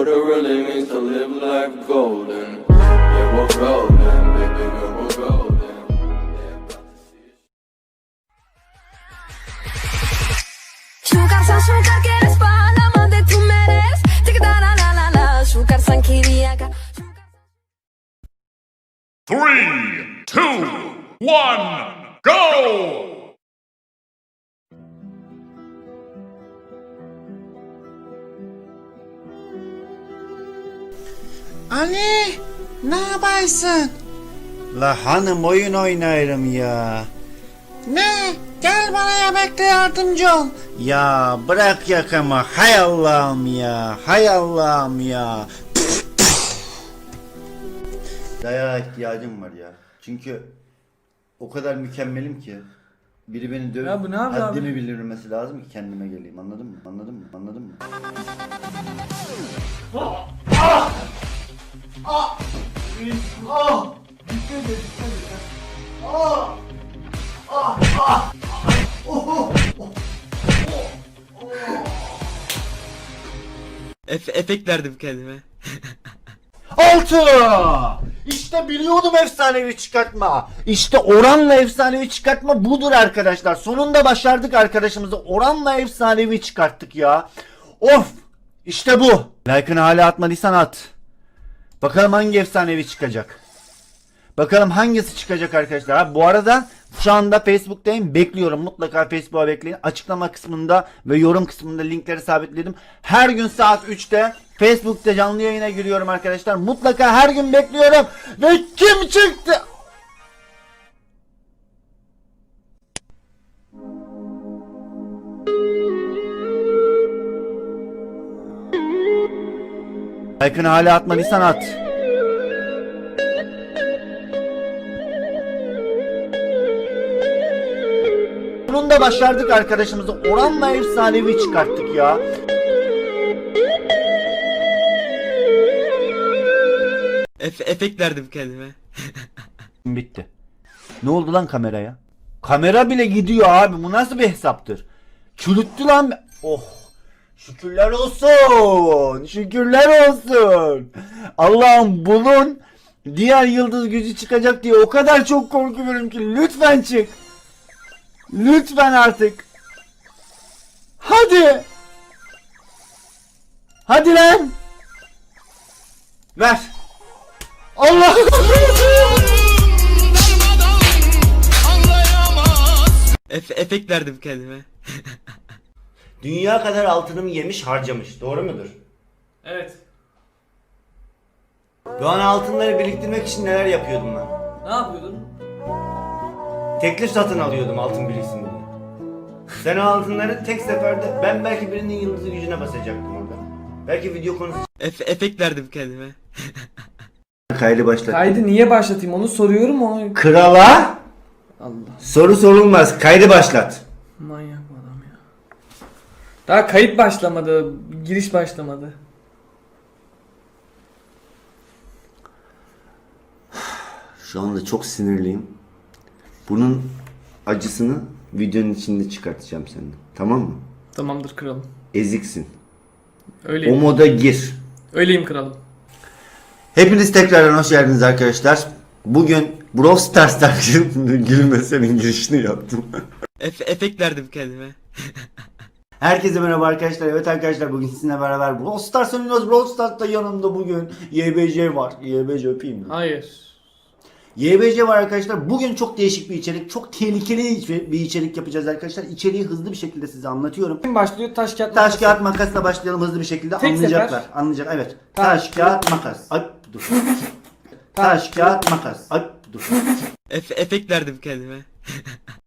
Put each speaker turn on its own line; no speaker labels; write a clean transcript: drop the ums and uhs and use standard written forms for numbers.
what it really means to live life golden. Yeah, we're golden, baby girl, we're golden.
Sugar que eres para la amante tú mereces. Tic da la la la la. Sugar sankiria.
3, 2, 1, go!
Ali, ne yaparsın? La hanım oyun oynarım ya. Ne? Gel bana yemekte yardımcı ol. Ya bırak yakamı. Hay Allah'ım ya. Hay Allah'ım ya. Dayağa ihtiyacım var ya. Çünkü o kadar mükemmelim ki. Biri beni dövüp
Ya bu ne yapıyor
haddimi
abi?
bildirmesi lazım ki kendime geleyim. Anladın mı? Anladın mı? Anladın mı?
Efekt verdim kendime.
6! İşte biliyordum efsanevi çıkartma. İşte oranla efsanevi çıkartma budur arkadaşlar. Sonunda başardık arkadaşımızı. Oranla efsanevi çıkarttık ya. Of! İşte bu. Like'ını hala atmadıysan at. Bakalım hangi efsanevi çıkacak. Bakalım hangisi çıkacak arkadaşlar. Ha, bu arada şu anda Facebook'tayım. Bekliyorum. Mutlaka Facebook'a bekleyin. Açıklama kısmında ve yorum kısmında linkleri sabitledim. Her gün saat 3'te Facebook'ta canlı yayına giriyorum arkadaşlar. Mutlaka her gün bekliyorum. Ve kim çıktı? Like'ını hala atmadıysan at. Sonunda başardık arkadaşımızı. Oranla efsanevi çıkarttık ya.
Efekt verdim kendime.
Bitti. Ne oldu lan kameraya? Kamera bile gidiyor abi. Bu nasıl bir hesaptır? Çürüttü lan. Oh. Şükürler olsun. Şükürler olsun. Allah'ım bunun diğer yıldız gücü çıkacak diye o kadar çok korkuyorum ki. Lütfen çık. Lütfen artık. Hadi. Hadi lan. Ver. Allah.
Efekt verdim kendime.
Dünya kadar altınımı yemiş harcamış. Doğru mudur?
Evet.
Doğan altınları biriktirmek için neler yapıyordum ben?
Ne yapıyordun?
Teklif satın alıyordum altın biriksin diye. Sen o altınları tek seferde ben belki birinin yıldızı gücüne basacaktım orada. Belki video konusu.
Efekt verdim kendime.
Kaydı başlat.
Kaydı niye başlatayım onu soruyorum onu.
Krala
Allah.
soru sorulmaz. Kaydı başlat.
Manyak bu adam ya. Daha kayıt başlamadı. Giriş başlamadı.
Şu anda çok sinirliyim. Bunun acısını videonun içinde çıkartacağım senden. Tamam mı?
Tamamdır kralım.
Eziksin. O
Öyleyim.
moda gir.
Öyleyim kralım.
Hepiniz tekrardan hoş geldiniz arkadaşlar. Bugün Brawl Stars'tan gülme senin girişini yaptım.
Efekt verdim kendime.
Herkese merhaba arkadaşlar. Evet arkadaşlar bugün sizinle beraber Brawl Stars oynuyoruz. Brawl Stars'ta yanımda bugün YBC var. YBC öpeyim mi?
Hayır.
YBC var arkadaşlar. Bugün çok değişik bir içerik. Çok tehlikeli bir içerik yapacağız arkadaşlar. İçeriği hızlı bir şekilde size anlatıyorum.
Kim başlıyor? Taş kağıt
Taş
makas.
kağıt makasla başlayalım hızlı bir şekilde.
Tek
Anlayacaklar.
sefer.
Anlayacak. Evet. Taş kağıt makas. Ay dur. Taş kağıt makas. Ay dur.
Efekt verdim kendime.